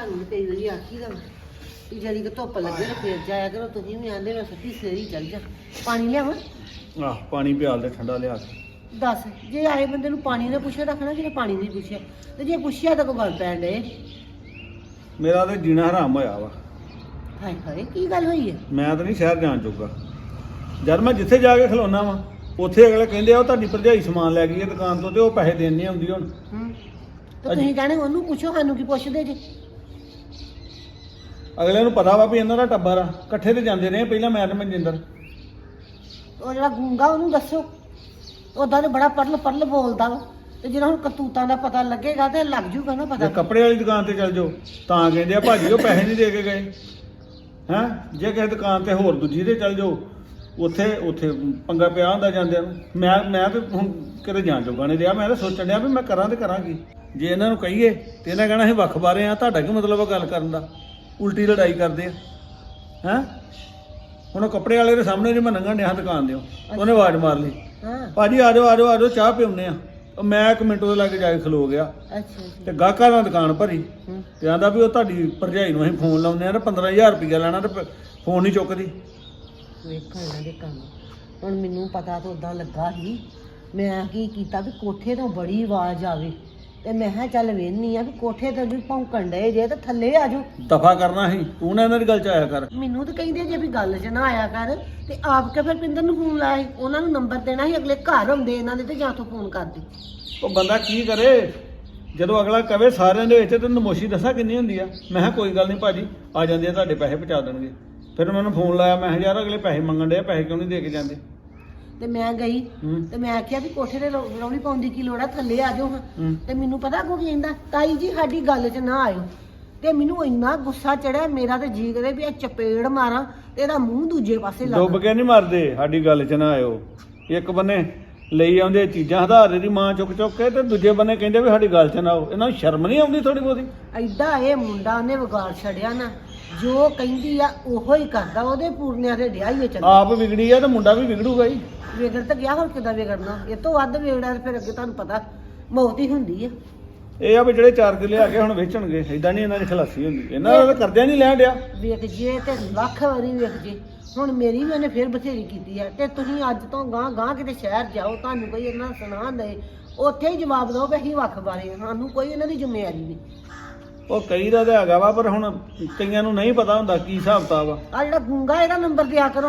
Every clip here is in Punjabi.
ਤੁਹਾਨੂੰ ਕਈ ਵਾਰੀ ਆਖੀਦਾ ਵੀ ਜਿਹੜੀ ਕਿ ਧੁੱਪ ਲੱਗੇ ਤੇ ਫੇਰ ਜਾਇਆ ਕਰੋ। ਤੁਸੀਂ ਵੀ ਆਂਦੇ ਮੈਂ ਸੱਤੀ ਸਵੇਰੀ ਚੱਲ ਜਾ। ਪਾਣੀ ਲਿਆਵਾਂ? ਆਹ ਪਾਣੀ ਪਿਆਲ ਦੇ ਠੰਡਾ ਲਿਆ ਕੇ। ਦੱਸ, ਜੇ ਆਏ ਬੰਦੇ ਨੂੰ ਪਾਣੀ ਦਾ ਪੁੱਛਿਆ ਰੱਖਣਾ ਕਿ ਪਾਣੀ ਨਹੀਂ ਪੁੱਛਿਆ, ਤੇ ਜੇ ਪੁੱਛਿਆ ਤਾਂ ਕੋਈ ਗੱਲ ਪੈਣ ਡੇ। ਮੇਰਾ ਤੇ ਜੀਣਾ ਹਰਾਮ ਹੋਇਆ ਵਾ। ਹਾਏ ਹਾਏ, ਕੀ ਗੱਲ ਹੋਈ ਹੈ? ਮੈਂ ਤਾਂ ਨਹੀਂ ਸ਼ਹਿਰ ਜਾਣ ਜੋਗਾ। ਜਦ ਮੈਂ ਜਿੱਥੇ ਜਾ ਕੇ ਖਲੋਣਾ ਵਾ ਉੱਥੇ ਅਗਲੇ ਕਹਿੰਦੇ ਆ ਉਹ ਤੁਹਾਡੀ ਭਰਜਾਈ ਸਮਾਨ ਲੈ ਗਈ ਹੈ ਦੁਕਾਨ ਤੋਂ ਤੇ ਉਹ ਪੈਸੇ ਦੇਣ ਨਹੀਂ ਆਉਂਦੀ ਹੁਣ। ਤੇ ਤੁਸੀਂ ਕਹਿਣੇ ਉਹਨੂੰ ਪੁੱਛੋ, ਸਾਨੂੰ ਕੀ ਪੁੱਛਦੇ ਜੇ? ਅਗਲੇ ਨੂੰ ਪਤਾ ਵਾ ਵੀ ਇਹਨਾਂ ਦਾ ਟੱਬਰ ਆ, ਇਕੱਠੇ ਤੇ ਜਾਂਦੇ ਰਹੇ ਪਹਿਲਾਂ ਮੈਂ ਤੇ ਮਨਜਿੰਦਰ। ਉਹ ਜਿਹੜਾ ਗੂੰਗਾ ਉਹਨੂੰ ਦੱਸੋ। ਉਦਾਂ ਤੇ ਬੜਾ ਪਰਲ ਬੋਲਦਾ ਵਾ, ਤੇ ਜਿਹੜਾ ਹੁਣ ਕਰਤੂਤਾਂ ਦਾ ਪਤਾ ਲੱਗੇਗਾ ਤੇ ਲੱਗ ਜੂਗਾ ਨਾ ਪਤਾ। ਜੇ ਕੱਪੜੇ ਵਾਲੀ ਦੁਕਾਨ ਤੇ ਚੱਲ ਜਾਓ ਤਾਂ ਕਹਿੰਦੇ ਆ ਭਾਜੀ ਉਹ ਪੈਸੇ ਨਹੀਂ ਦੇ ਕੇ ਗਏ ਹੈਂ। ਜੇ ਕਿਸੇ ਦੁਕਾਨ ਤੇ ਹੋਰ ਦੂਜੀ ਤੇ ਚੱਲ ਜਾਓ ਉੱਥੇ ਪੰਗਾ ਪਿਆ ਹੁੰਦਾ ਜਾਂਦਿਆਂ ਨੂੰ। ਮੈਂ ਤੇ ਹੁਣ ਕਿਤੇ ਜਾਣ ਜੋਗਾ ਨਹੀਂ ਰਿਹਾ। ਮੈਂ ਤਾਂ ਸੋਚਣ ਡਿਆ ਵੀ ਮੈਂ ਕਰਾਂ ਤੇ ਕਰਾਂ ਕੀ। ਜੇ ਇਹਨਾਂ ਨੂੰ ਕਹੀਏ ਤੇ ਇਹਨਾਂ ਕਹਿਣਾ ਅਸੀਂ ਵੱਖ ਬਾਰੇ ਆ, ਤੁਹਾਡਾ ਕੀ ਮਤਲਬ ਆ ਗੱਲ ਕਰਨ ਦਾ? ਉਲਟੀ ਲੜਾਈ ਕਰਦੇ ਆ ਹੈਂ। ਹੁਣ ਉਹ ਕੱਪੜੇ ਵਾਲੇ ਦੇ ਸਾਹਮਣੇ ਜੇ ਮੈਂ ਲੰਘਣ ਡਿਆ ਦੁਕਾਨ ਦਿਓ, ਉਹਨੇ ਆਵਾਜ਼ ਮਾਰ ਲਈ, ਭਾਜੀ ਆ ਜਾਓ ਚਾਹ ਪਿਉਨੇ ਆ। ਮੈਂ 1 ਮਿੰਟ ਉਹਦੇ ਲਾਗੇ ਜਾ ਕੇ ਖਲੋ ਗਿਆ। ਤੇ ਗਾਹਕਾਂ ਦਾ ਦੁਕਾਨ ਭਰੀ ਤੇ ਆਂਦਾ ਵੀ ਉਹ ਤੁਹਾਡੀ ਭਰਜਾਈ ਨੂੰ ਅਸੀਂ ਫੋਨ ਲਾਉਂਦੇ ਆ ਤੇ 15000 ਰੁਪਇਆ ਲੈਣਾ ਤੇ ਫੋਨ ਨਹੀਂ ਚੁੱਕਦੀ। ਵੇਖਾਂ ਇਹਨਾਂ ਦੇ ਕੰਮ। ਹੁਣ ਮੈਨੂੰ ਪਤਾ ਤਾਂ ਉਦਾਂ ਲੱਗਾ ਸੀ। ਮੈਂ ਕੀ ਕੀਤਾ ਵੀ ਕੋਠੇ ਤੋਂ ਬੜੀ ਆਵਾਜ਼ ਆਵੇ ਤੇ ਮੈਂ ਕਿਹਾ ਚੱਲ ਵੇਖਨੀ ਆ ਵੀ ਕੋਠੇ ਤੇ ਵੀ ਭੌਂਕਣ ਡਏ ਜੇ ਤੇ ਥੱਲੇ ਆ ਜਾਓ। ਦਫਾ ਕਰਨਾ ਸੀ ਤੂੰ ਨਾ ਇਹਨਾਂ ਦੀ ਗੱਲ ਚ ਆਇਆ ਕਰ। ਮੈਨੂੰ ਤਾਂ ਕਹਿੰਦੇ ਜੇ ਵੀ ਗੱਲ 'ਚ ਨਾ ਆਇਆ ਕਰ ਤੇ ਆਪ ਕੇ ਫਿਰ ਪਿੰਦਰ ਨੂੰ ਫੋਨ ਲਾਇਆ ਸੀ। ਉਹਨਾਂ ਨੂੰ ਨੰਬਰ ਦੇਣਾ ਸੀ, ਅਗਲੇ ਘਰ ਹੁੰਦੇ ਇਹਨਾਂ ਦੇ ਤੇ ਜਾਂ ਤੋਂ ਫੋਨ ਕਰਦੇ। ਉਹ ਬੰਦਾ ਕੀ ਕਰੇ ਜਦੋਂ ਅਗਲਾ ਕਵੇ ਸਾਰਿਆਂ ਦੇ ਵਿੱਚ ਤੇ ਨਮੋਸ਼ੀ ਦੱਸਾਂ ਕਿੰਨੀ ਹੁੰਦੀ ਆ। ਮੈਂ ਕਿਹਾ ਕੋਈ ਗੱਲ ਨਹੀਂ ਭਾਜੀ ਆ ਜਾਂਦੇ ਆ, ਤੁਹਾਡੇ ਪੈਸੇ ਪਹੁੰਚਾ ਦੇਣਗੇ। ਫਿਰ ਮੈਨੂੰ ਫੋਨ ਲਾਇਆ, ਮੈਂ ਕਿਹਾ ਯਾਰ ਅਗਲੇ ਪੈਸੇ ਮੰਗਣ ਡਏ, ਪੈਸੇ ਕਿਉਂ ਨਹੀਂ ਦੇ ਕੇ ਜਾਂਦੇ? ਤੇ ਮੈਂ ਗਈ ਤੇ ਮੈਂ ਆਖਿਆ ਵੀ ਕੋਠੇ ਤੇ ਰੌਲੀ ਪਾਉਣ ਦੀ ਕੀ ਲੋੜ ਆ, ਥੱਲੇ ਆ ਜਾਓ ਹਾਂ। ਤੇ ਮੈਨੂੰ ਪਤਾ ਕੋ ਕਹਿੰਦਾ, ਤਾਈ ਜੀ ਸਾਡੀ ਗੱਲ 'ਚ ਨਾ ਆਇਓ। ਤੇ ਮੈਨੂੰ ਇੰਨਾ ਗੁੱਸਾ ਚੜਿਆ, ਮੇਰਾ ਤੇ ਜੀ ਕਰੇ ਵੀ ਇਹ ਚਪੇੜ ਮਾਰਾਂ ਤੇ ਇਹਦਾ ਮੂੰਹ ਦੂਜੇ ਪਾਸੇ ਲਾ। ਡੁੱਬ ਕੇ ਨਹੀਂ ਮਰਦੇ, ਸਾਡੀ ਗੱਲ 'ਚ ਨਾ ਆਇਓ। ਇੱਕ ਬੰਨੇ ਲਈ ਆਉਂਦੇ ਚੀਜ਼ਾਂ ਹਧਾਰੇ ਦੀ ਮਾਂ ਚੁੱਕ ਕੇ ਤੇ ਦੂਜੇ ਬੰਨੇ ਕਹਿੰਦੇ ਵੀ ਸਾਡੀ ਗੱਲ 'ਚ ਨਾ ਆਓ। ਇਹਨਾਂ ਨੂੰ ਸ਼ਰਮ ਨਹੀਂ ਆਉਂਦੀ ਥੋੜੀ ਬਹੁਤੀ? ਐਡਾ ਇਹ ਮੁੰਡਾ ਉਹਨੇ ਵਿਗਾੜ ਛੜਿਆ ਨਾ, ਜੋ ਕਹਿੰਦੀ ਆ ਉਹੋ ਹੀ ਕਰਦਾ। ਉਹਦੇ ਪੂਰਨਿਆਂ ਤੇ ਡਿਆ ਹੀ ਚੱਲ। ਆਪ ਵਿਗੜੀ ਆ ਤੇ ਮੁੰਡਾ ਵੀ ਵਿਗੜੂਗਾ ਹੀ। ਵਿਗੜ ਤਾਂ ਗਿਆ, ਹੁਣ ਕਿੱਦਾਂ ਵਿਗੜਨਾ? ਇਹ ਤੋਂ ਵੱਧ ਵਿਗੜਿਆ ਤੇ ਫਿਰ ਅੱਗੇ ਤੁਹਾਨੂੰ ਪਤਾ ਮੌਤ ਹੀ ਹੁੰਦੀ ਆ। ਇਹ ਆ ਵੀ ਜਿਹੜੇ 4 ਕਿੱਲੇ ਆ ਕੇ ਹੁਣ ਵੇਚਣਗੇ, ਏਦਾਂ ਨਹੀਂ ਇਹਨਾਂ ਦੀ ਖਲਾਸੀ ਹੁੰਦੀ। ਇਹਨਾਂ ਦਾ ਕਰਦਿਆਂ ਨਹੀਂ ਲੈਣ ਡਿਆ। ਵੇਖ ਜੇ ਤੇ ਲੱਖ ਵਾਰੀ ਵੇਖ ਜੇ। ਹੁਣ ਮੇਰੀ ਵੀ ਉਹਨੇ ਫਿਰ ਬਥੇਰੀ ਕੀਤੀ ਆ। ਤੇ ਤੁਸੀਂ ਅੱਜ ਤੋਂ ਗਾਂ ਕਿਤੇ ਸ਼ਹਿਰ ਜਾਓ, ਤੁਹਾਨੂੰ ਕੋਈ ਇਹਨਾਂ ਸੁਣਾ ਦੇ, ਉੱਥੇ ਹੀ ਜਵਾਬ ਦਿਓ ਵੀ ਅਸੀਂ ਵੱਖ ਬਾਰੇ, ਸਾਨੂੰ ਕੋਈ ਇਹਨਾਂ ਦੀ ਜ਼ਿੰਮੇਵਾਰੀ ਨਹੀਂ। ਉਹ ਕਈ ਦਾ ਤਾਂ ਹੈਗਾ ਵਾ, ਪਰ ਹੁਣ ਕਈਆਂ ਨੂੰ ਨਹੀਂ ਪਤਾ ਹੁੰਦਾ ਕੀ ਹਿਸਾਬ ਕਿਤਾਬ ਆ। ਆ ਜਿਹੜਾ ਗੂੰਗਾ ਇਹਦਾ ਨੰਬਰ ਦਿਆ ਕਰੋ।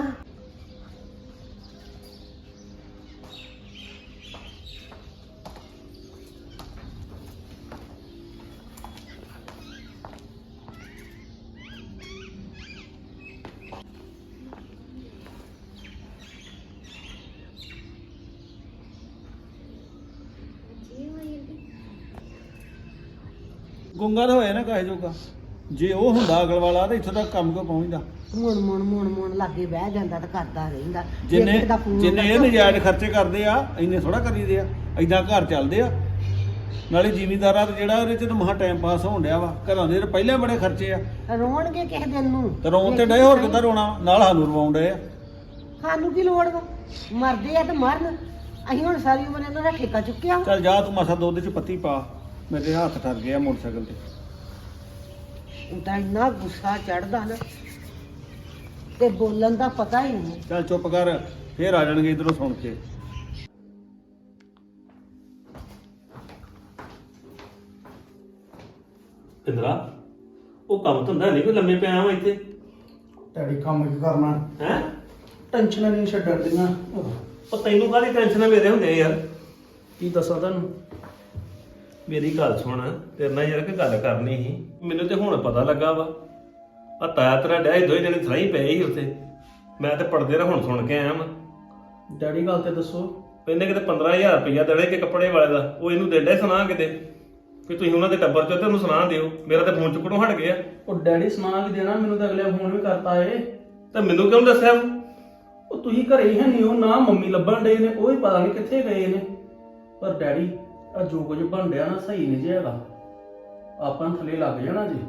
ਗੁੰਗਾ ਤਾਂ ਹੋਇਆ ਨਾ ਕਾਹੇ ਜੋਗਾ। ਜੇ ਉਹ ਹੁੰਦਾ ਅਗਲ ਵਾਲਾ ਤਾਂ ਇੱਥੋਂ ਤੱਕ ਕੰਮ ਕੋ ਪਹੁੰਚਦਾ। ਮੁਣ ਲਾਗੇ ਬਹਿ ਜਾਂਦਾ ਤਾਂ ਕਰਦਾ ਰਹਿੰਦਾ। ਜਿੰਨੇ ਇਹ ਨਜਾਇਜ਼ ਖਰਚੇ ਕਰਦੇ ਆ, ਇੰਨੇ ਥੋੜਾ ਕਰੀਦੇ ਆ। ਏਦਾਂ ਘਰ ਚੱਲਦੇ ਆ। ਨਾਲੇ ਜ਼ਿਮੀਂਦਾਰਾਂ ਦਾ ਜਿਹੜਾ ਉਹਦੇ ਚ ਤਾਂ ਮਹਾ ਟਾਈਮ ਪਾਸ ਹੋਣ ਡਿਆ ਵਾ। ਘਰਾਂ ਦੇ ਪਹਿਲਾਂ ਬੜੇ ਖਰਚੇ ਆ। ਰੋਣਗੇ ਕਿਸੇ ਦਿਨ ਨੂੰ ਤੇ ਰੋਣ ਤੇ ਡਏ, ਹੋਰ ਕਿੱਦਾਂ ਰੋਣਾ? ਨਾਲ ਸਾਨੂੰ ਰਵਾਉਣ ਡਏ ਆ। ਸਾਨੂੰ ਕੀ ਲੋੜ ਵਾ? ਮਰਦੇ ਆ ਤੇ ਮਰਨ। ਅਸੀਂ ਹੁਣ ਸਾਰੀ ਉਮਰ ਇਹਨਾਂ ਦਾ ਠੇਕਾ ਚੁੱਕਿਆ। ਚੱਲ ਜਾ ਤੂੰ ਮਸਾ ਦੁੱਧ ਚ ਪੱਤੀ ਪਾ। ਮੇਰੇ ਹੱਥ ਠਰ ਗਏ ਆ ਮੋਟਰਸਾਈਕਲ ਤੇ। ਉਹਦਾ ਇੰਨਾ ਗੁੱਸਾ ਚੜਦਾ ਨਾ ਤੇ ਬੋਲਣ ਦਾ ਪਤਾ ਹੀ ਨਹੀਂ। ਚੱਲ ਚੁੱਪ ਕਰ, ਫੇਰ ਆ ਜਾਣਗੇ ਇਧਰੋਂ ਸੁਣ ਕੇ। ਇੰਦਰਾ ਉਹ ਕੰਮ ਧੰਦਾ ਨਹੀਂ ਕੋਈ, ਲੰਮੇ ਪਿਆ ਵਾ ਇੱਥੇ। ਤੁਹਾਡੀ ਕੰਮ ਕੀ ਕਰਨਾ ਹੈ ਟੈਨਸ਼ਨਾਂ ਨਹੀਂ ਛੱਡਣ ਦੀਆਂ। ਉਹ ਤੈਨੂੰ ਕਾਹਦੀ ਟੈਨਸ਼ਨ ਮੇਰੇ ਹੁੰਦੇ ਯਾਰ? ਕੀ ਦੱਸਾਂ ਤੁਹਾਨੂੰ? ਮੇਰੀ ਗੱਲ ਸੁਣ, ਤੇਰੇ ਨਾਲ ਯਾਰ ਇੱਕ ਗੱਲ ਕਰਨੀ ਸੀ। ਮੈਨੂੰ ਤੇ ਹੁਣ ਪਤਾ ਲੱਗਾ ਵਾ, ਆ ਤਾਇਆ ਤੇਰਾ ਡਿਆ ਦੋਵੇਂ ਜਣੇ ਥਾਈ ਪਏ ਸੀ ਉੱਥੇ। ਮੈਂ ਤੇ ਪੜਦੇ ਰ ਹੁਣ ਸੁਣ ਕੇ ਆਇਆ ਵਾ। ਡੈਡੀ ਗੱਲ ਤੇ ਦੱਸੋ। ਇਹਨੇ ਕਿਤੇ 15000 ਰੁਪਇਆ ਦੇਣੇ ਕਿ ਕੱਪੜੇ ਵਾਲੇ ਦਾ, ਉਹ ਇਹਨੂੰ ਦੇਣਾ ਸੁਣਾ ਕਿਤੇ ਵੀ ਤੁਸੀਂ ਉਹਨਾਂ ਦੇ ਟੱਬਰ ਚੋਂ ਤੇ ਉਹਨੂੰ ਸੁਣਾ ਦਿਓ। ਮੇਰਾ ਤੇ ਫੋਨ ਚੁੱਕਣੋਂ ਹਟ ਗਿਆ। ਉਹ ਡੈਡੀ ਸੁਣਾ ਵੀ ਦੇਣਾ, ਮੈਨੂੰ ਤਾਂ ਅਗਲੇ ਫੋਨ ਵੀ ਕਰਤਾ ਏ। ਤੇ ਮੈਨੂੰ ਕਿਉਂ ਦੱਸਿਆ? ਉਹ ਤੁਸੀਂ ਘਰੇ ਹੀ ਹੈ ਨਹੀਂ, ਉਹ ਨਾ ਮੰਮੀ ਲੱਭਣ ਡਏ ਨੇ, ਉਹ ਹੀ ਪਤਾ ਨਹੀਂ ਕਿੱਥੇ ਗਏ ਨੇ। ਪਰ ਡੈਡੀ ਆ ਜੋ ਕੁਝ ਬਣ ਡਿਆ ਨਾ ਸਹੀ ਨਹੀਂ ਜੇ ਹੈਗਾ। ਆਪਾਂ ਨੂੰ ਥੱਲੇ ਲੱਗ ਜਾਣਾ ਜੀ।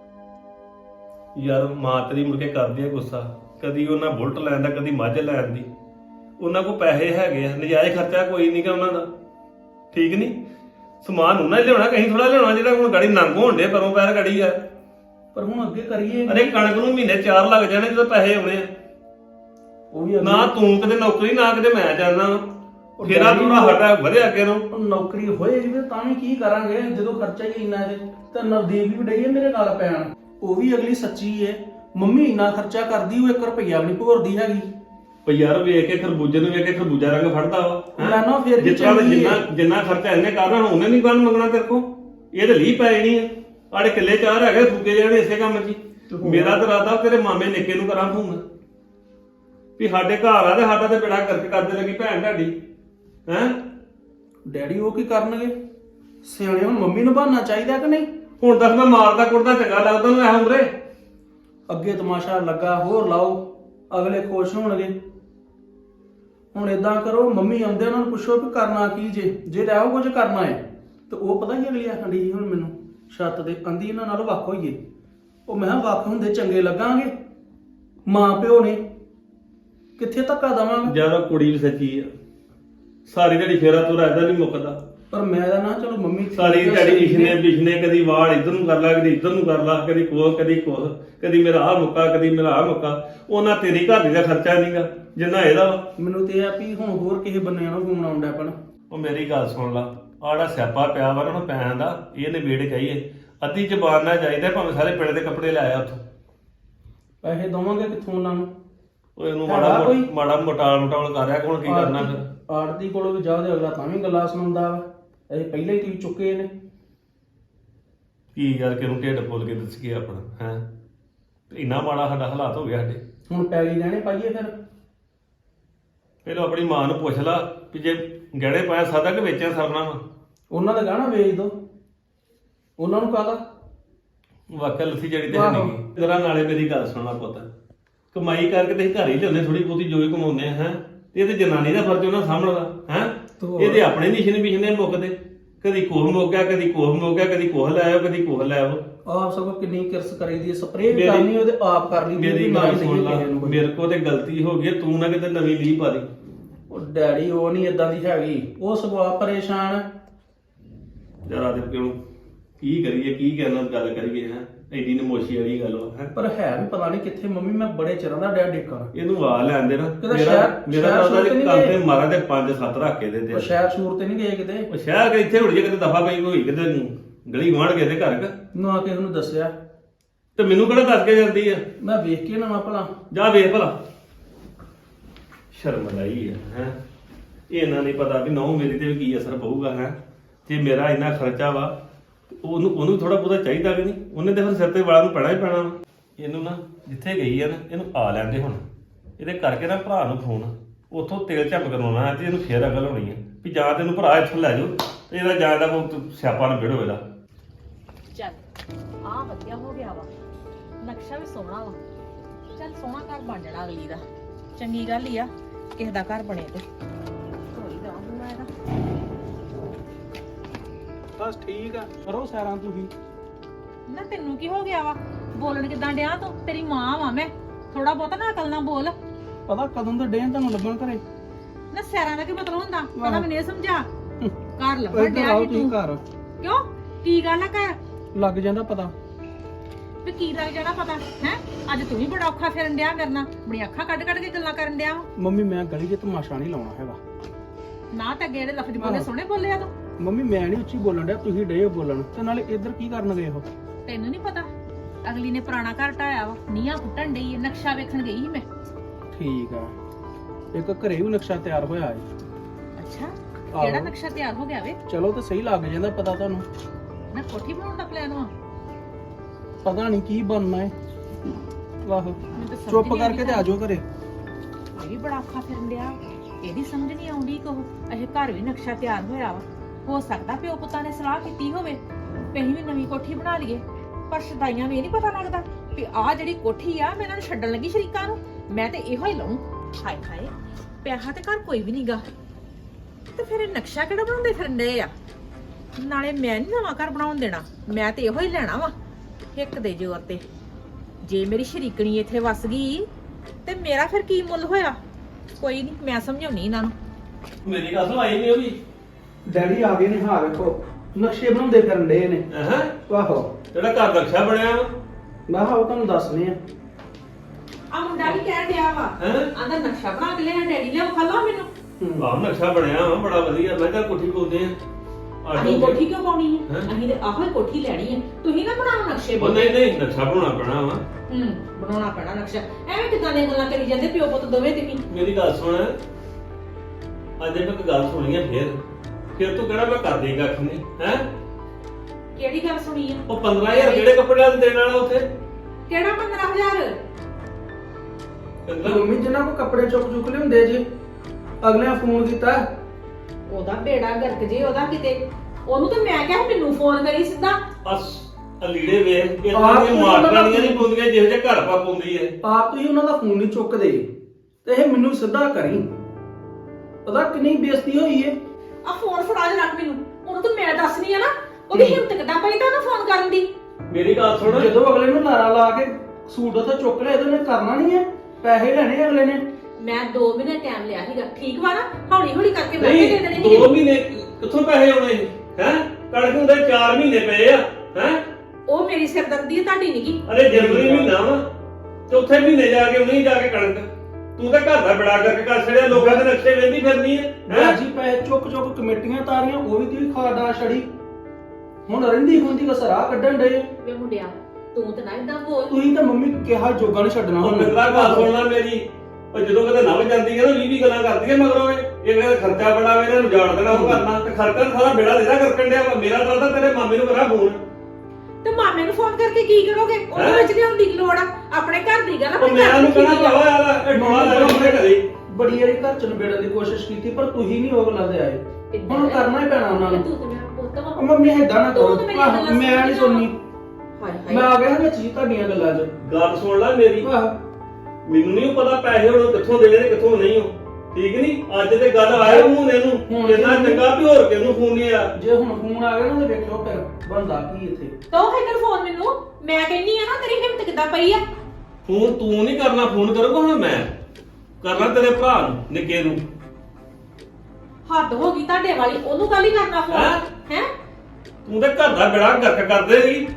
ਯਾਰ ਮਾਂ ਤੇਰੀ ਮੁੜ ਕੇ ਕਰਦੀ ਆ ਗੁੱਸਾ। ਕਦੀ ਉਹਨਾਂ ਬੁਲਟ ਲੈਣ ਦਾ, ਕਦੀ ਮੱਝ ਲੈਣ ਦੀ। ਉਹਨਾਂ ਕੋਲ ਪੈਸੇ ਹੈਗੇ ਆ, ਨਜਾਇਜ਼ ਖਰਚਾ ਕੋਈ ਨਹੀਂ ਗਾ ਉਹਨਾਂ ਦਾ। ਠੀਕ ਨਹੀਂ? ਸਮਾਨ ਉਹਨਾਂ ਹੀ ਲਿਆਉਣਾ, ਕਹੀਂ ਥੋੜਾ ਲਿਆਉਣਾ ਜਿਹੜਾ ਹੁਣ ਗਾੜੀ ਨੰਗ ਹੋਣ ਡੇ ਪਰੋਂ ਪੈਰ ਗੜੀ ਆ। ਪਰ ਹੁਣ ਅੱਗੇ ਕਰੀਏ ਅਰੇ ਕਣਕ ਨੂੰ ਮਹੀਨੇ 4 ਲੱਗ ਜਾਣੇ ਜਦੋਂ ਪੈਸੇ ਆਉਣੇ ਆ। ਉਹ ਵੀ ਨਾ ਤੂੰ ਕਿਤੇ ਨੌਕਰੀ ਨਾ ਕਿਤੇ ਮੈਂ ਜਾਣਾ ਫੇਰਾ ਥੋੜਾ ਹਟਾ ਵਧਿਆ ਅੱਗੇ ਨੂੰ। ਨੌਕਰੀ ਹੋਏਗੀ ਤੇ ਤਾਂ ਵੀ ਕੀ ਕਰਾਂਗੇ ਜਦੋਂ ਖਰਚਾ ਹੀ ਇੰਨਾ ਹੈ ਤੇ ਨਵਦੀਪ ਵੀ ਡਈ ਮੇਰੇ ਨਾਲ ਪੈਣ। ਉਹ ਵੀ ਅਗਲੀ ਸੱਚੀ ਏ, ਮੰਮੀ ਇੰਨਾ ਖਰਚਾ ਕਰਦੀ ਉਹ 1 ਰੁਪਈਆ ਵੀ ਨਹੀਂ ਭੋਰਦੀ ਹੈਗੀ। ਪਰ ਯਾਰ ਵੇਖ ਕੇ ਖਰਬੂਜੇ ਨੂੰ ਵੇਖ ਕੇ ਖਰਬੂਜਾ ਰੰਗ ਫੜਦਾ ਵਾ। ਲੈ ਨਾ ਫਿਰ ਵੀ ਚੰਗੀ ਜਿੰਨਾ ਖਰਚਾ ਇਹਨੇ ਕਰਨਾ ਹੁਣ ਉਹਨੇ ਨਹੀਂ ਕਰਨ ਮੰਗਣਾ ਤੇਰੇ ਕੋ। ਇਹ ਤੇ ਲੀਹ ਪੈ ਜਾਣੀ ਆ। ਆੜੇ ਕਿੱਲੇ 4 ਹੈਗੇ ਫੂਕੇ ਜਾਣੇ ਇਸੇ ਕੰਮ 'ਚ। ਮੇਰਾ ਤਾਂ ਇਰਾਦਾ ਤੇਰੇ ਮਾਮੇ ਨਿੱਕੇ ਨੂੰ ਕਰਾਂ ਫੋਨ ਵੀ ਸਾਡੇ ਘਰ ਆ ਤੇ ਸਾਡਾ ਤੇ ਬੜਾ ਕਰਕੇ ਕਰਦੇ ਲੱਗੀ ਭੈਣ ਤੁਹਾਡੀ ਹੈਂ। ਡੈਡੀ ਉਹ ਕੀ ਕਰਨਗੇ? ਸਿਆਣੇ ਹੁਣ ਮੰਮੀ ਨੂੰ ਬਹਾਨਾ ਚਾਹੀਦਾ ਕਿ ਨਹੀਂ? ਹੁਣ ਤੱਕ ਮੈਂ ਮਾਰਦਾ ਕੁੱਟਦਾ ਚੰਗਾ ਲੱਗਦਾ ਨੂੰ ਐ ਉਮਰੇ। ਅੱਗੇ ਤਮਾਸ਼ਾ ਲੱਗਾ ਹੋਰ ਲਾਓ, ਅਗਲੇ ਖੁਸ਼ ਹੋਣਗੇ। ਹੁਣ ਇਦਾਂ ਕਰੋ, ਮੰਮੀ ਆਉਂਦੇ ਉਹਨਾਂ ਨੂੰ ਪੁੱਛੋ ਵੀ ਕਰਨਾ ਕੀ ਜੇ ਰਹਿਓ ਕੁਝ ਕਰਨਾ ਹੈ ਤੇ ਉਹ ਪਤਾ ਕੀ ਅਗਲੀ ਆਖਣ ਡਈ ਹੁਣ ਮੈਨੂੰ ਛੱਤ ਦੇ ਕੰਦੀ ਇਹਨਾਂ ਨਾਲ ਵੱਖ ਹੋਈਏ। ਉਹ ਮੈਂ ਕਿਹਾ ਵੱਖ ਹੁੰਦੇ ਚੰਗੇ ਲੱਗਾਂਗੇ, ਮਾਂ ਪਿਓ ਨੇ ਕਿੱਥੇ ਧੱਕਾ ਦੇਵਾਂਗੇ। ਯਾਰ ਉਹ ਕੁੜੀ ਵੀ ਸੱਚੀ ਆ, ਸਾਰੀ ਜਿਹੜੀ ਫੇਰਾ ਤੋਰਾ ਇਹਦਾ ਨਹੀਂ ਮੁੱਕਦਾ। ਪਰ ਮੈਂ ਤਾਂ ਨਾ ਚਲੋ ਮੰਮੀ ਸਾਰੀ ਦਿਹਾੜੀ ਇਸ਼ਨੇ ਬਿਸ਼ਨੇ, ਕਦੀ ਵਾਲ ਇੱਧਰ ਨੂੰ ਕਰ ਲਾ, ਕਦੀ ਇੱਧਰ ਨੂੰ ਕਰ ਲਾ, ਕਦੀ ਕੋਹ, ਕਦੀ ਮੇਰਾ ਆਹ ਮੁੱਕਾ, ਕਦੀ ਮੇਰਾ ਆਹ ਮੁੱਕਾ। ਉਹਨਾਂ ਤੇਰੀ ਘਰ ਦੀ ਦਾ ਖਰਚਾ ਨਹੀਂਗਾ ਜਿੰਨਾ ਇਹਦਾ ਵਾ। ਮੈਨੂੰ ਤੇ ਇਹ ਆ ਵੀ ਹੁਣ ਹੋਰ ਕਿਸੇ ਬੰਨੇ ਨੂੰ ਫੋਨ ਆਉਂਦਾ ਪੈਣਾ। ਉਹ ਮੇਰੀ ਗੱਲ ਸੁਣ ਲਾ, ਆੜਾ ਸਿਆਪਾ ਪਿਆ ਵਾ ਨਾ ਪੈਣ ਦਾ, ਇਹ ਨਿਬੇੜ ਕਹੀਏ ਅੱਧੀ ਜ਼ਬਾਨ ਨਾਲ ਚਾਹੀਦਾ ਭਾਵੇਂ ਸਾਰੇ ਪਿੰਡ ਦੇ ਕੱਪੜੇ ਲਾਇਆ ਉੱਥੋਂ। ਪੈਸੇ ਦਵਾਂਗੇ ਕਿੱਥੋਂ ਉਹਨਾਂ ਨੂੰ? ਉਹ ਇਹਨੂੰ ਹੈਗਾ ਕੋਈ? ਮਾੜਾ ਮੋਟਾਲ ਕਰ ਰਿਹਾ, ਹੁਣ ਕੀ ਕਰਨਾ ਫਿਰ। ਆੜਤੀ ਕੋਲੋਂ ਵੀ ਜਾ ਦੇ ਅਗਲਾ ਤਾਂ ਵੀ ਗੱਲਾਂ ਸੁਣਾਉਂਦਾ ਵਾ। ਇਹ ਪਹਿਲਾਂ ਹੀ ਤੁਸੀਂ ਚੁੱਕੇ ਨੇ। ਕੀ ਯਾਰ ਕਿਹਨੂੰ ਢਿੱਡ ਫੁੱਲ ਕੇ ਦੱਸ ਗਿਆ ਆਪਣਾ ਹੈ। ਇੰਨਾ ਮਾੜਾ ਸਾਡਾ ਹਾਲਾਤ ਹੋ ਗਿਆ ਸਾਡੇ। ਹੁਣ ਪੈਲੀ ਲੈਣੇ ਪਾਈਏ ਫਿਰ? ਪਹਿਲਾਂ ਆਪਣੀ ਮਾਂ ਨੂੰ ਪੁੱਛ ਲਾ ਵੀ ਜੇ ਗਹਿਣੇ ਪਾਇਆ ਸਾਦਾ ਕਿ ਵੇਚਿਆ ਸਰਨਾ ਵਾ। ਉਹਨਾਂ ਦਾ ਗਹਿਣਾ ਵੇਚ ਦੋ, ਉਹਨਾਂ ਨੂੰ ਕਾਹਦਾ ਵਾਕਿਆ ਲੱਥੀ ਜਿਹੜੀ ਤੇ ਨਹੀਂ ਜਰਾ। ਨਾਲੇ ਮੇਰੀ ਗੱਲ ਸੁਣਨਾ ਪੁੱਤ, ਕਮਾਈ ਕਰਕੇ ਤੇ ਘਰ ਹੀ ਲਿਆਉਂਦੇ ਥੋੜੀ ਬਹੁਤੀ ਜੋ ਵੀ ਕਮਾਉਂਦੇ ਆ ਹੈ। ਇਹ ਤੇ ਜਨਾਨੀ ਦਾ ਫਰਜ਼ ਉਹਨਾਂ ਸਾਹਮਣਦਾ ਹੈ। ਇਹਦੇ ਆਪਣੇ ਨਿਸ਼ਨੇ ਮੁੱਕਦੇ, ਕਦੀ ਕੋਹ ਮੁੱਕ ਗਿਆ, ਕਦੀ ਕੋਹ ਮੁੱਕ ਗਿਆ, ਕਦੀ ਕੋਹ ਲੈ ਆਓ, ਕਦੀ ਕੋਹ ਲੈ ਆਓ। ਆਪ ਸਗੋਂ ਕਿੰਨੀ ਕਿਰਸ ਕਰੀਦੀ ਹੈ, ਸਪਰੇਅ ਵੀ ਕਰਨੀ ਉਹਦੇ ਆਪ ਕਰ ਲਈ। ਮੇਰੀ ਗੱਲ ਸੁਣ ਲਾ, ਮੇਰੇ ਕੋਲ ਤੇ ਗਲਤੀ ਹੋ ਗਈ, ਤੂੰ ਨਾ ਕਿਤੇ ਨਵੀਂ ਲੀਹ ਪਾ ਲਈ। ਉਹ ਡੈਡੀ ਉਹ ਨਹੀਂ ਇਦਾਂ ਦੀ ਹੈਗੀ, ਉਹ ਸਗੋਂ ਆਪ ਪਰੇਸ਼ਾਨ। ਜਰਾ ਦੇ ਕਿਉਂ ਕੀ ਕਰੀਏ, ਕੀ ਕਹਿਣਾ ਗੱਲ ਕਰੀਏ ਹੈ। ਐਡੀ ਨਮੋਸ਼ੀ ਵਾਲੀ ਗੱਲ ਵਾ ਹੈ। ਪਰ ਹੈ ਵੀ ਪਤਾ ਨਹੀਂ ਕਿੱਥੇ। ਮੰਮੀ ਮੈਂ ਬੜੇ ਚਿਰਾਂ ਦਾ ਡੈਡ ਡੇਕਰ ਇਹਨੂੰ ਆ ਲੈਂਦੇ ਨਾ। ਕਿਤੇ ਮੇਰਾ ਉਹਦਾ ਜੇ ਕੰਨ ਤੇ ਮਾਰਾ ਤੇ 5-7 ਰੱਖ ਕੇ ਦੇ ਦੇ। ਉਹ ਸ਼ਹਿਰ ਸ਼ੂਰ ਤੇ ਨਹੀਂ ਗਏ ਕਿਤੇ? ਉਹ ਸ਼ਹਿਰ ਕੇ ਇੱਥੇ ਉੜ ਜੇ ਕਿਤੇ ਦਫਾ ਪਈ ਹੋਈ ਕਿਤੇ ਗਲੀ ਗਵਾਂਢ ਕੇ ਤੇ ਘਰ ਨਾ ਕਿਸੇ ਨੂੰ ਦੱਸਿਆ ਤੇ ਮੈਨੂੰ ਕਿਹੜਾ ਦੱਸ ਕੇ ਜਾਂਦੀ ਆ। ਮੈਂ ਵੇਖ ਕੇ ਨਾ ਭਲਾ ਜਾ ਵੇਖ ਭਲਾ। ਸ਼ਰਮ ਲਾਈ ਹੈ। ਇਹਨਾਂ ਨਹੀਂ ਪਤਾ ਵੀ ਨਹੁੰ ਮੇਰੀ ਤੇ ਵੀ ਕੀ ਅਸਰ ਪਊਗਾ ਹੈ। ਜੇ ਮੇਰਾ ਇੰਨਾ ਖਰਚਾ ਵਾ ਉਹਨੂੰ ਥੋੜਾ ਬਹੁਤਾ ਚਾਹੀਦਾ ਕਿ ਨਹੀਂ। ਉਹਨੇ ਤੇ ਫਿਰ ਸਿਰ ਤੇ ਵਾਲਾਂ ਨੂੰ ਪੈਣਾ ਹੀ ਪੈਣਾ। ਇਹਨੂੰ ਨਾ ਜਿੱਥੇ ਗਈ ਆ ਨਾ ਇਹਨੂੰ ਆ ਲੈਂਦੇ ਹੁਣ। ਇਹਦੇ ਕਰਕੇ ਨਾ ਭਰਾ ਨੂੰ ਫੋਨ ਉੱਥੋਂ ਤੇਲ ਝੱਪ ਕਰਵਾਉਣਾ ਤੇ ਇਹਨੂੰ ਫੇਰ ਅਗਲ ਹੋਣੀ ਆ ਵੀ ਜਾਂ ਤੈਨੂੰ ਭਰਾ ਇੱਥੋਂ ਲੈ ਜਾਓ ਤੇ ਇਹਦਾ ਜਾਂ ਦਾ ਕੋਈ ਸਿਆਪਾ ਨਾ ਵਿੜੋ ਇਹਦਾ। ਚੱਲ ਆ ਵਧੀਆ ਹੋ ਗਿਆ ਵਾ, ਨਕਸ਼ਾ ਵੀ ਸੋਹਣਾ ਵਾ। ਚੱਲ ਸੋਹਣਾ ਘਰ ਬਣ ਜਾਣਾ ਅਗਲੀ ਦਾ, ਚੰਗੀ ਗੱਲ ਹੀ ਆ ਕਿਸੇ ਦਾ ਘਰ ਬਣੇ ਤੇ। ਥੋੜੀ ਦਾ ਮੈਂ ਇਹਦਾ ਬਸ ਠੀਕ ਆ, ਕਰੋ ਸੈਰਾਂ ਤੁਸੀਂ। ਨਾ ਤੈਨੂੰ ਕੀ ਹੋ ਗਿਆ ਵਾ, ਬੋਲਣ ਕਿਦਾਂ ਡਿਆ ਤੂੰ? ਤੇਰੀ ਮਾਂ ਵਾ ਮੈਂ, ਥੋੜਾ ਬਹੁਤਾ ਨਾ ਅਕਲ ਨਾਲ ਬੋਲ। ਪਤਾ ਕਦੋਂ ਦਾ ਡੇ ਤੁਹਾਨੂੰ ਲੱਭਣ ਘਰੇ? ਨਾ ਸੈਰਾਂ ਦਾ ਕੀ ਮਤਲਬ ਹੁੰਦਾ? ਪਹਿਲਾਂ ਮੈਨੂੰ ਇਹ ਸਮਝਾ। ਘਰ ਲੱਭਣ ਇੱਧਰ ਡਿਆ ਆਓ ਕਿ ਤੁਸੀਂ ਤੂੰ? ਘਰ, ਕਿਉਂ ਕੀ ਗੱਲ ਆ ਘਰ ਲੱਗ ਜਾਂਦਾ ਪਤਾ। ਵੀ ਕੀ ਲੱਗ ਜਾਣਾ ਪਤਾ ਹੈ? ਅੱਜ ਤੂੰ ਵੀ ਬੜਾ ਔਖਾ ਫਿਰਨ ਡਿਆ ਕਰਨਾ, ਬੜੀ ਅੱਖਾਂ ਕੱਢ ਕੱਢ ਕੇ ਗੱਲਾਂ ਕਰਨ ਡਿਆ ਵਾ। ਮੰਮੀ ਮੈਂ ਗਲੀ 'ਚ ਤਮਾਸ਼ਾ ਨਹੀਂ ਲਾਉਣਾ ਹੈਗਾ। ਨਾ ਤਾਂ ਅੱਗੇ ਜਿਹੜੇ ਲਫ਼ਜ਼ ਬੋਲੇ ਸੋਹਣੇ ਬੋਲੇ ਆ ਤੂੰ। ਮੰਮੀ ਮੈਂ ਨਹੀਂ ਉੱਚੀ ਬੋਲਣ ਡਿਆ, ਤੁਸੀਂ ਡੇ ਬੋਲਣ। ਤੇ ਨਾਲੇ ਇੱਧਰ ਕੀ ਕਰਨ ਗਏ ਹੋ? ਤੈਨੂੰ ਨਹੀਂ ਪਤਾ ਅਗਲੀ ਨੇ ਪੁਰਾਣਾ ਘਰ ਢਾਇਆ ਵਾ, ਨੀਹਾਂ ਪੁੱਟਣ ਡਈ ਹੈ, ਨਕਸ਼ਾ ਵੇਖਣ ਗਈ ਸੀ ਮੈਂ। ਠੀਕ ਆ, ਇੱਕ ਘਰੇ ਵੀ ਨਕਸ਼ਾ ਤਿਆਰ ਹੋਇਆ ਹੈ। ਅੱਛਾ ਕਿਹੜਾ ਨਕਸ਼ਾ ਤਿਆਰ ਹੋ ਗਿਆ ਵੇ? ਚਲੋ ਤੇ ਸਹੀ ਲੱਗ ਜਾਂਦਾ ਪਤਾ ਤੁਹਾਨੂੰ। ਨਾ ਕੋਠੀ ਬਣਾਉਣ ਦਾ ਪਲਾਨ ਵਾ? ਪਤਾ ਨਹੀਂ ਕੀ ਬਣਨਾ ਹੈ। ਆਹੋ ਮੈਨੂੰ ਤਾਂ ਸਮਝ ਚੁੱਪ ਨਹੀਂ ਕਰਕੇ ਤੇ ਆ ਜਾਓ ਘਰੇ। ਇਹ ਵੀ ਬੜਾ ਔਖਾ ਫਿਰਨ ਡਿਆ, ਇਹਦੀ ਸਮਝ ਨਹੀਂ ਆਉਂਦੀ ਕੋ ਇਹ ਘਰ ਵੀ ਨਕਸ਼ਾ ਤਿਆਰ ਹੋਇਆ ਵਾ। ਹੋ ਸਕਦਾ ਪਿਓ ਪੁੱਤਾਂ ਨੇ ਸਲਾਹ ਕੀਤੀ ਹੋਵੇ ਵੀ ਅਸੀਂ ਵੀ ਨਵੀਂ ਕੋਠੀ ਬਣਾ ਲਈਏ, ਪਰ ਸ਼ਦਾਈਆਂ ਨੂੰ ਇਹ ਨਹੀਂ ਪਤਾ ਲੱਗਦਾ ਵੀ ਆਹ ਜਿਹੜੀ ਕੋਠੀ ਆ ਮੈਂ ਇਹਨਾਂ ਨੂੰ ਛੱਡਣ ਲੱਗੀ ਸ਼ਰੀਕਾਂ ਨੂੰ, ਮੈਂ ਤੇ ਇਹੋ ਹੀ ਲਊਂ। ਹਾਏ ਹਾਏ ਪਿਆਹਾ ਤੇ ਘਰ ਕੋਈ ਵੀ ਨਹੀਂਗਾ, ਤੇ ਫਿਰ ਇਹ ਨਕਸ਼ਾ ਕਿਹੜਾ ਬਣਾਉਂਦੇ ਫਿਰਨ ਡਏ ਆ? ਨਾਲੇ ਮੈਂ ਨਹੀਂ ਨਵਾਂ ਘਰ ਬਣਾਉਣ ਦੇਣਾ, ਮੈਂ ਤੇ ਇਹੋ ਹੀ ਲੈਣਾ ਵਾ ਇੱਕ ਦੇ ਜ਼ੋਰ ਤੇ। ਜੇ ਮੇਰੀ ਸ਼ਰੀਕਣੀ ਇੱਥੇ ਵਸ ਗਈ ਤੇ ਮੇਰਾ ਫਿਰ ਕੀ ਮੁੱਲ ਹੋਇਆ? ਕੋਈ ਨਹੀਂ ਮੈਂ ਸਮਝਾਉਣੀ ਇਹਨਾਂ ਨੂੰ। ਮੇਰੀ ਗੱਲ ਸੁਣ ਆਈ ਨਹੀਂ ਉਹ ਵੀ। ਡੈਡੀ ਆ ਗਏ ਨੇ, ਹਾਂ ਵੇਖੋ ਨਕਸ਼ੇ ਬਣਾਉਂਦੇ ਫਿਰਨ ਡੇ ਨੇ। ਹਾਂ ਆਹੋ ਜਿਹੜਾ ਘਰ ਨਕਸ਼ਾ ਬਣਿਆ ਵਾ ਮੈਂ ਕਿਹਾ ਉਹ ਤੁਹਾਨੂੰ ਦੱਸਨੇ ਆ। ਆ ਮੁੰਡਾ ਵੀ ਕਹਿ ਰਿਹਾ ਵਾ ਹੈ ਆਂਦਾ ਨਕਸ਼ਾ ਬਣਾ ਕੇ ਲਿਆ ਡੈਡੀ ਲਿਆ ਖਾ ਮੈਨੂੰ ਆਹ ਨਕਸ਼ਾ ਬਣਿਆ ਵਾ ਬੜਾ ਵਧੀਆ। ਮੈਂ ਕਿਹਾ ਕੋਠੀ ਪਾਉਂਦੇ ਆ ਅਸੀਂ ਕੋਠੀ ਕਿਉਂ ਪਾਉਣੀ ਹੈ ਹੈਂ? ਅਸੀਂ ਤੇ ਆਹੋ ਹੀ ਕੋਠੀ ਲੈਣੀ ਹੈ ਤੁਸੀਂ ਨਾ ਬਣਾਓ ਨਕਸ਼ੇ ਉਹ ਨਹੀਂ ਨਹੀਂ ਨਕਸ਼ਾ ਬਣਾਉਣਾ ਪੈਣਾ ਵਾ। ਬਣਾਉਣਾ ਪੈਣਾ ਨਕਸ਼ਾ ਐਵੇਂ ਕਿਦਾਂ ਦੀਆਂ ਗੱਲਾਂ ਕਰੀ ਜਾਂਦੇ ਪਿਓ ਪੁੱਤ ਦੋਵੇਂ ਤੁਸੀਂ ਮੇਰੀ ਗੱਲ ਸੁਣ ਅੱਜ ਮੈਂ ਇੱਕ ਗੱਲ ਸੁਣੀ ਆ ਫਿਰ ਤੂੰ ਕਿਹੜਾ ਮੈਂ ਕਰ ਦੇਗਾ ਅੱਖ ਨਹੀਂ ਹੈ। ਕਿਹੜੀ ਗੱਲ ਸੁਣੀ ਆ ਉਹ 15000 ਜਿਹੜੇ ਕੱਪੜਿਆਂ ਦੇ ਦੇਣ ਵਾਲਾ ਉੱਥੇ ਕਿਹੜਾ 15000 ਮੰਮੀ ਜਿਨ੍ਹਾਂ ਕੋ ਕੱਪੜੇ ਚੁੱਕ ਲਿਆਉਂਦੇ ਜੇ ਅਗਲੇ ਫੋਨ ਕੀਤਾ ਉਹਦਾ ਬੇੜਾ ਗਰਕ ਜੇ ਉਹਦਾ ਕਿਤੇ ਉਹਨੂੰ ਤਾਂ ਮੈਂ ਕਿਹਾ ਮੈਨੂੰ ਫੋਨ ਕਰੀ ਸਿੱਧਾ ਬਸ ਲੀੜੇ ਵੇਖ ਆਹ ਇਹਨਾਂ ਦੀਆਂ ਤੂੰ ਮਾਰਕਣੀਆਂ ਨਹੀਂ ਪਾਉਂਦੀਆਂ ਜਿਹੋ ਜਿਹਾ ਘਰ ਪਾ ਪਾਉਂਦੀ ਹੈ। ਆਪ ਤੁਸੀਂ ਉਹਨਾਂ ਦਾ ਫੋਨ ਨਹੀਂ ਚੁੱਕਦੇ ਤੇ ਇਹ ਮੈਨੂੰ ਸਿੱਧਾ ਕਰੀ। ਪਤਾ ਕਿੰਨੀ ਬੇਇੱਜ਼ਤੀ ਹੋਈ ਏ। ਆ ਫੋਨ ਫੜਾ ਦੇ ਰੱਖ ਮੈਨੂੰ ਉਹਨੂੰ ਤਾਂ ਮੈਂ ਦੱਸਣੀ ਆ ਨਾ ਉਹਦੀ ਹਿੰਮਤ ਕਿੱਦਾਂ ਪਈ ਤਾਂ ਉਹਨੂੰ ਫੋਨ ਕਰਨ ਦੀ। ਮੇਰੀ ਗੱਲ ਸੁਣ ਜਦੋਂ ਅਗਲੇ ਨੂੰ ਲਾਰਾ ਲਾ ਕੇ ਸੂਟ ਉੱਥੇ ਚੁੱਕ ਲਿਆ ਇਹਦੇ ਨੇ ਕਰਨਾ ਨਹੀਂ ਹੈ, ਪੈਸੇ ਲੈਣੇ ਅਗਲੇ ਨੇ। ਮੈਂ 2 ਮਹੀਨੇ ਟਾਈਮ ਲਿਆ ਸੀਗਾ ਠੀਕ ਵਾ ਨਾ ਹੌਲੀ ਹੌਲੀ ਕਰਕੇ ਮੈਂ ਦੇ ਨਹੀਂ ਦੇਣੇ ਸੀ 2 ਮਹੀਨੇ ਕਿੱਥੋਂ ਪੈਸੇ ਆਉਣੇ ਹੈ ਕਣਕ ਹੁੰਦੇ 4 ਮਹੀਨੇ ਪਏ ਆ ਹੈ। ਉਹ ਮੇਰੀ ਸਿਰਦਰਦੀ ਹੈ ਤੁਹਾਡੀ ਨਹੀਂਗੀ ਅਰੇ ਜਨਵਰੀ ਮਹੀਨਾ ਵਾ ਚੌਥੇ ਮਹੀਨੇ ਜਾ ਕੇ ਉਹਨੇ ਜਾ ਕੇ ਕਣਕ ਤੂੰ ਤਾਂ ਘਰ ਦਾ ਬੜਾ ਕਰਕੇ ਕਰ ਛੜਿਆ ਲੋਕਾਂ ਦੇ ਨਕਸ਼ੇ ਵੇਂਦੀ ਫਿਰਨੀ ਹੈ ਹੈਂ? ਜੀ ਪੈਸੇ ਚੁੱਕ ਕਮੇਟੀਆਂ ਤਾਰੀਆਂ ਉਹ ਵੀ ਤੁਸੀਂ ਖਾਡਾ ਛੜੀ। ਹੁਣ ਰਹਿੰਦੀ ਹੁੰਦੀ ਕਸਰਾ ਕੱਢਣ ਡੇ। ਵੇ ਮੁੰਡਿਆ ਤੂੰ ਤਾਂ ਨਾ ਇਦਾਂ ਬੋਲ ਤੁਸੀਂ ਤਾਂ ਮੰਮੀ ਕਿਹਾ ਜੋਗਾ ਨਹੀਂ ਛੱਡਣਾ ਹੁਣ ਹੁਣ। ਮਿੰਦਰਾ ਗੱਲ ਸੁਣਨਾ ਮੇਰੀ ਉਹ ਜਦੋਂ ਕਦੇ ਨਵ ਜਾਂਦੀ ਹੈ ਨਾ 20 ਗੱਲਾਂ ਕਰਦੀ ਹੈ ਮਗਰੋਂ ਇਹ ਕਹਿੰਦਾ ਖਰਚਾ ਬੜਾ ਵੇ ਇਹਨਾਂ ਨੂੰ ਜਾਣ ਦੇਣਾ ਉਹ ਕਰਨਾ ਤੇ ਖਰਚਾ ਤਾਂ ਸਾਰਾ ਬੇੜਾ ਦੇਦਾ ਕਰਕਣ ਡਿਆ ਵਾ। ਮੇਰਾ ਤਾਂ ਉਹਦਾ ਤੇਰੇ ਮਾਮੇ ਨੂੰ ਕਰਾ ਫੋਨ ਤੇ ਮਾਮੇ ਨੂੰ ਫੋਨ ਕਰਕੇ ਕੀ ਕਰੋਗੇ ਉਹਦੇ ਵਿੱਚ ਨਹੀਂ ਹੁੰਦੀ ਲੋੜ ਆਪਣੇ ਘਰ ਦੀ ਗੱਲ ਉਹ ਮੈਂ ਉਹਨੂੰ ਕਹਿਣਾ ਭਰਾਵਾ ਯਾਰ ਇਹ ਡੋਲਾ ਲੈ ਆਪਣੇ ਘਰੇ ਬੜੀ ਵਾਰੀ ਘਰ ਚ ਨਿਬੇੜਨ ਦੀ ਕੋਸ਼ਿਸ਼ ਕੀਤੀ ਪਰ ਤੁਸੀਂ ਨਹੀਂ ਉਹ ਗੱਲਾਂ ਤੇ ਆਏ। ਹੁਣ ਕਰਨਾ ਹੀ ਪੈਣਾ ਉਹਨਾਂ ਨੂੰ। ਤੂੰ ਤੇ ਮੇਰਾ ਪੁੱਤ ਵਾ ਉਹ ਮੰਮੀ ਏਦਾਂ ਨਾ ਕਰੋ। ਤੂੰ ਤਾਂ ਮੇਰੀਆਂ ਗੱਲਾਂ ਮੈਂ ਨਹੀਂ ਸੁਣਨੀ। ਹਾਏ ਮੈਂ ਆ ਗਿਆ ਵਿੱਚ ਜੀ ਤੁਹਾਡੀਆਂ ਗੱਲਾਂ 'ਚ। ਗੱਲ ਸੁਣ ਲੈ ਮੇਰੀ ਆਹ ਮੈਨੂੰ ਨਹੀਂ ਪਤਾ ਪੈਸੇ ਹੁਣ ਕਿੱਥੋਂ ਦੇਣੇ ਤੇ ਕਿੱਥੋਂ ਨਹੀਂ ਹੋ ਠੀਕ ਨਹੀਂ ਅੱਜ ਤੇ ਗੱਲ ਆਇਆ ਮੂੰਹ ਨੇ ਨੂੰ ਇੰਨਾ ਚੰਗਾ ਵੀ ਹੋਰ ਕਿਹਨੂੰ ਫੋਨ ਨਹੀਂ ਆ ਜੇ ਹੁਣ ਫੋਨ ਆ ਗਿਆ ਨਾ ਤੇ ਵੇਖਿਓ ਫਿਰ ਬੰਦਾ ਕੀ ਇੱਥੇ। ਤੋ ਹੈਦਰ ਫੋਨ ਮੈਨੂੰ ਮੈਂ ਕਹਿੰਨੀ ਆ ਨਾ ਤੇਰੀ ਹਿੰਮਤ ਕਿੱਦਾਂ ਪਈ ਆ ਫੋਨ ਤੂੰ ਨਹੀਂ ਕਰਨਾ ਫੋਨ ਕਰੂਗਾ ਹੁਣ ਮੈਂ ਕਰਨਾ ਤੇਰੇ ਭਰਾ ਨੂੰ ਨਿੱਕੇ ਨੂੰ ਹੱਦ ਹੋ ਗਈ ਤੁਹਾਡੇ ਵਾਲੀ ਉਹਨੂੰ ਕੱਲ ਹੀ ਕਰਨਾ ਫੋਨ ਹੈ ਤੂੰ ਤੇ ਘਰ ਦਾ ਬੜਾ ਗਰਕ ਕਰ ਦੇਗੀ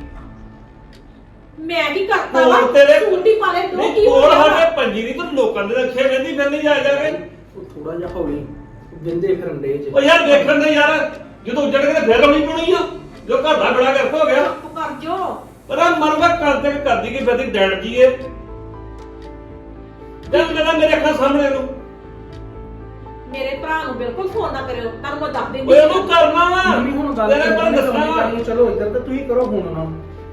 ਮੈਂ ਕੀ ਕਰਤਾ ਵਾ ਕੋਲ ਤੇਰੇ ਛੁੱਟੀ ਪਾ ਲੈ ਤੂੰ ਨਹੀਂ ਕੀ ਕੋਲ ਹੋਇਆ ਸਾਡੇ ਪੰਜੀ ਨਹੀਂ ਤੂੰ ਲੋਕਾਂ ਦੇ ਰੱਖੇ ਵੇਂਦੀ ਫਿਰ ਨਹੀਂ ਜਾ ਕੇ ਉਹ ਥੋੜਾ ਜਿਹਾ ਹੌਲੀ ਬਿੰਦੇ ਫਿਰਨ ਦੇ ਚ। ਉਹ ਯਾਰ ਦੇਖਣ ਦੇ ਯਾਰ ਜਦੋਂ ਉੱਜੜ ਕੇ ਤੇ ਫਿਰ ਰੌਣੀ ਪਾਉਣੀ ਆ ਜੋ ਘਰ ਦਾ ਬੜਾ ਗਰਕ ਹੋ ਗਿਆ ਚੁੱਪ ਕਰ ਜੋ ਪਰ ਆ ਮਰਵਾ ਕਰਦੇ ਕਰਦੀ ਕਿ ਬਦੀ ਡੈਡ ਜੀ ਏ ਜਦ ਮੇਰਾ ਮੇਰੇ ਅੱਖਾਂ ਸਾਹਮਣੇ ਨੂੰ ਮੇਰੇ ਭਰਾ ਨੂੰ ਬਿਲਕੁਲ ਫੋਨ ਨਾ ਕਰਿਓ ਤੁਹਾਨੂੰ ਮੈਂ ਦੱਸ ਦਿੰਦੀ ਓਏ ਉਹਨੂੰ ਕਰਨਾ ਵਾ ਮੰਮੀ ਹੁਣ ਗੱਲ ਤੇਰੇ ਕੋਲ ਦੱਸਣਾ ਵਾ ਕਰਨੀ ਚਲੋ ਇੱਧਰ ਤੇ ਤੁਸੀਂ ਕਰੋ ਹੁਣ ਨਾ।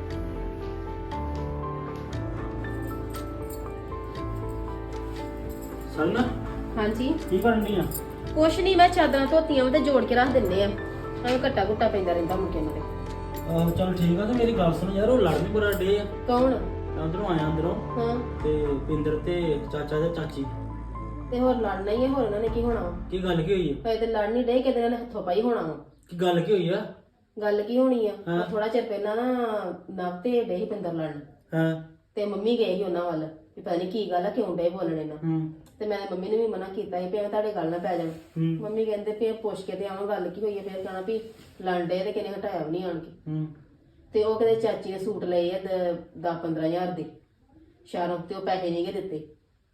ਸਨ ਹਾਂਜੀ ਕੀ ਕਰਨ ਦੀ ਆ ਕੁਛ ਨਹੀਂ ਮੈਂ ਚਾਦਰਾਂ ਧੋਤੀਆਂ ਉਹ ਤੇ ਜੋੜ ਕੇ ਰੱਖ ਦਿੰਦੇ ਆ ਐਵੇਂ ਘੱਟਾ ਘੁੱਟਾ ਪੈਂਦਾ ਰਹਿੰਦਾ ਮੁੰਡੇ ਨੂੰ ਤੇ ਆਹੋ ਚੱਲ ਠੀਕ ਆ ਤੇ ਮੇਰੀ ਗੱਲ ਸੁਣ ਯਾਰ ਉਹ ਲੜ ਵੀ ਬੜਾ ਡੇ ਆ ਕੌਣ ਅੰਦਰੋਂ ਆਇਆ ਅੰਦਰੋਂ ਹਾਂ ਤੇ ਪਿੰਦਰ ਤੇ ਚਾਚਾ ਤੇ ਚਾਚੀ ਤੇ ਹੋਰ ਲੜਨਾ ਹੀ ਹੈ ਹੋਰ ਉਹਨਾਂ ਨੇ ਕੀ ਹੋਣਾ ਵਾ? ਕੀ ਗੱਲ ਕੀ ਹੋਈ ਹੈ ਹਜੇ ਤੇ ਲੜ ਨਹੀਂ ਡੇ ਕਿਤੇ ਇਹਨਾਂ ਨੇ ਹੱਥੋਂ ਪਾਈ ਹੋਣਾ ਵਾ। ਕੀ ਗੱਲ ਕੀ ਹੋਈ ਆ ਗੱਲ ਕੀ ਹੋਣੀ ਆ ਹਾਂ। ਥੋੜਾ ਚਿਰ ਪਹਿਲਾਂ ਨਾ ਨਵ ਤੇ ਡੇ ਹੀ ਪਿੰਦਰ ਲੜਨ ਹਾਂ ਤੇ ਮੰਮੀ ਗਏ ਸੀ ਉਹਨਾਂ ਵੱਲ ਵੀ ਪਤਾ ਨਹੀਂ ਕੀ ਗੱਲ ਆ ਕਿਉਂ ਡੇ ਬੋਲਣੇ ਨਾ ਹੂੰ ਤੇ ਮੈਂ ਮੰਮੀ ਨੂੰ ਵੀ ਮਨਾ ਕੀਤਾ ਸੀ ਵੀ ਐਵੇਂ ਤੁਹਾਡੇ ਗੱਲ ਨਾ ਪੈ ਜਾਣ ਹੂੰ ਮੰਮੀ ਕਹਿੰਦੇ ਵੀ ਪੁੱਛ ਕੇ ਤੇ ਆਵਾਂ ਗੱਲ ਕੀ ਹੋਈ ਹੈ ਫਿਰ ਕਹਿਣਾ ਵੀ ਲੜਦੇ ਤੇ ਕਿਨੇ ਹਟਾਇਆ ਵੀ ਨਹੀਂ ਆਣ ਕੇ ਹੂੰ ਤੇ ਉਹ ਕਹਿੰਦੇ ਚਾਚੀ ਨੇ ਸੂਟ ਲਏ ਆ 10-15 ਹਜ਼ਾਰ ਦੇ ਸ਼ਹਿਰੋਂ ਤੇ ਉਹ ਪੈਸੇ ਨਹੀਂ ਗੇ ਦਿੱਤੇ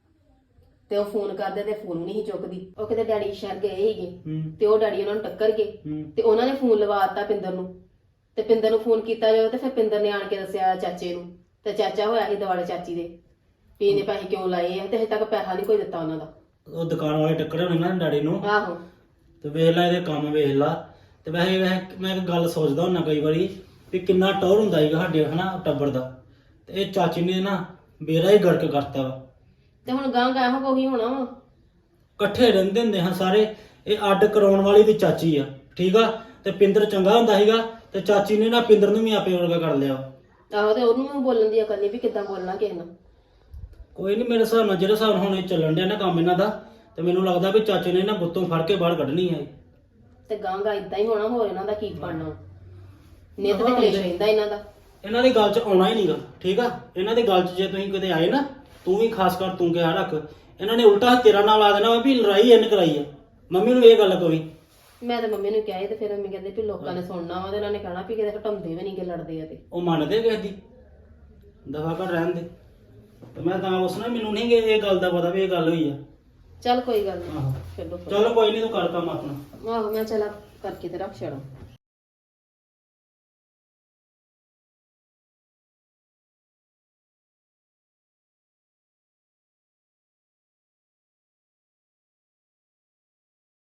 ਤੇ ਉਹ ਫੋਨ ਕਰਦੇ ਤੇ ਫੋਨ ਨਹੀਂ ਚੁੱਕਦੀ ਉਹ ਕਿਤੇ ਡੈਡੀ ਸ਼ਹਿਰ ਗਏ ਸੀਗੇ ਹੂੰ ਤੇ ਉਹ ਡੈਡੀ ਉਹਨਾਂ ਨੂੰ ਟੱਕਰ ਗਏ ਹੂੰ ਤੇ ਉਹਨਾਂ ਨੇ ਫੋਨ ਲਵਾ ਦਿੱਤਾ ਪਿੰਦਰ ਨੂੰ ਤੇ ਪਿੰਦਰ ਨੂੰ ਫੋਨ ਕੀਤਾ ਜਾਵੇ ਤੇ ਫਿਰ ਪਿੰਦਰ ਨੇ ਆਣ ਕੇ ਦੱਸਿਆ ਚਾਚੇ ਨੂੰ ਤੇ ਚਾਚਾ ਹੋਇਆ ਸੀ ਦਿਵਾਲੇ ਚਾਚੀ ਦੇ ਵੀ ਇਹਨੇ ਪੈਸੇ ਕਿਉਂ ਲਾਏ ਆ ਤੇ ਹਜੇ ਤੱਕ ਪੈਸਾ ਨਹੀਂ ਕੋਈ ਦਿੱਤਾ ਉਹਨਾਂ ਦਾ ਉਹ ਦੁਕਾਨ ਵਾਲੇ ਟੱਕਰੇ ਹੋਣੇ ਨਾ ਡੈਡੀ ਨੂੰ ਆਹੋ ਤੇ ਵੇਖ ਲੈ ਇਹਦੇ ਕੰਮ ਵੇਖ ਲਾ ਤੇ ਵੈਸੇ ਮੈਂ ਇੱਕ ਗੱਲ ਸੋਚਦਾ ਹੁੰਦਾ ਕਈ ਵਾਰੀ ਵੀ ਕਿੰਨਾ ਟੌਰ ਹੁੰਦਾ ਹੈਗਾ ਸਾਡੇ ਹਨਾ ਟੱਬਰ ਦਾ ਤੇ ਇਹ ਚਾਚੀ ਨੇ ਨਾ ਬੇੜਾ ਹੀ ਗੜਕ ਕਰਤਾ ਵਾ ਤੇ ਹੁਣ ਗਾਂ ਗਾਂ ਕੋਈ ਹੋਣਾ ਵਾ ਇਕੱਠੇ ਰਹਿੰਦੇ ਹੁੰਦੇ ਹਾਂ ਸਾਰੇ ਇਹ ਅੱਡ ਕਰਾਉਣ ਵਾਲੀ ਵੀ ਚਾਚੀ ਆ ਠੀਕ ਆ ਤੇ ਪਿੰਦਰ ਚੰਗਾ ਹੁੰਦਾ ਸੀਗਾ ਤੇ ਚਾਚੀ ਨੇ ਨਾ ਪਿੰਦਰ ਨੂੰ ਵੀ ਆਪੇ ਵਰਗਾ ਕਰ ਲਿਆ ਆਹੋ ਤੇ ਉਹਨੂੰ ਵੀ ਬੋਲਣ ਦੀ ਅਕਲ ਨਹੀਂ ਵੀ ਕਿੱਦਾਂ ਬੋਲਣਾ ਕਿਸੇ ਨਾਲ ਕੋਈ ਨਹੀਂ ਮੇਰੇ ਹਿਸਾਬ ਨਾਲ ਜਿਹੜੇ ਹਿਸਾਬ ਨਾਲ ਹੁਣ ਇਹ ਚੱਲਣ ਡਿਆ ਨਾ ਕੰਮ ਇਹਨਾਂ ਦਾ ਤੇ ਮੈਨੂੰ ਲੱਗਦਾ ਵੀ ਚਾਚੇ ਨੇ ਨਾ ਗੁੱਤੋਂ ਫੜ ਕੇ ਬਾਹਰ ਕੱਢਣੀ ਹੈ ਤੇ ਗਾਂ ਗਾਂ ਇਦਾਂ ਹੀ ਹੋਣਾ ਹੋਰ ਇਹਨਾਂ ਦਾ ਕੀ ਬਣਨਾ ਨਿੱਤ ਤੇ ਕਲੇਸ਼ ਰਹਿੰਦਾ ਇਹਨਾਂ ਦਾ ਇਹਨਾਂ ਦੀ ਗੱਲ 'ਚ ਆਉਣਾ ਹੀ ਨਹੀਂਗਾ ਠੀਕ ਆ ਇਹਨਾਂ ਦੀ ਗੱਲ 'ਚ ਜੇ ਤੁਸੀਂ ਕਿਤੇ ਆਏ ਨਾ ਤੂੰ ਵੀ ਖਾਸ ਕਰ ਤੂੰ ਕਿਹਾ ਰੱਖ ਇਹਨਾਂ ਨੇ ਉਲਟਾ ਤੇਰਾ ਨਾਂ ਲਾ ਦੇਣਾ ਵੀ ਲੜਾਈ ਇਹਨੇ ਕਰਾਈ ਆ ਮੰਮੀ ਨੂੰ ਇਹ ਗੱਲ ਕੋਈ ਮੈਂ ਤਾਂ ਮੰਮੀ ਨੂੰ ਕਿਹਾ ਸੀ ਤੇ ਫਿਰ ਮੰਮੀ ਕਹਿੰਦੇ ਵੀ ਲੋਕਾਂ ਨੇ ਸੁਣਨਾ ਵਾ ਤੇ ਇਹਨਾਂ ਨੇ ਕਹਿਣਾ ਵੀ ਕਿਤੇ ਹਟਾਉਂਦੇ ਵੀ ਨਹੀਂ ਕਿ ਲੜਦੇ ਆ ਤੇ ਉਹ ਮੰਨਦੇ ਕਿਸੇ ਦੀ ਦਫਾ ਕਰ ਰਹਿਣ ਦੇ। ਤੇ ਮੈਂ ਤਾਂ ਉਸਨੇ ਮੈਨੂੰ ਨਹੀਂ ਇਹ ਗੱਲ ਦਾ ਪਤਾ ਵੀ ਇਹ ਗੱਲ ਹੋਈ ਆ। ਚੱਲ ਕੋਈ ਗੱਲ ਨਹੀਂ ਆਹੋ ਛੱਡੋ ਚਲੋ ਕੋਈ ਨਹੀਂ, ਤੂੰ ਕਰ ਕੰਮ ਆਪਣਾ। ਆਹੋ ਮੈਂ ਚਲਾ ਕਰਕੇ ਤੇ ਰੱਖ ਛੜਾ।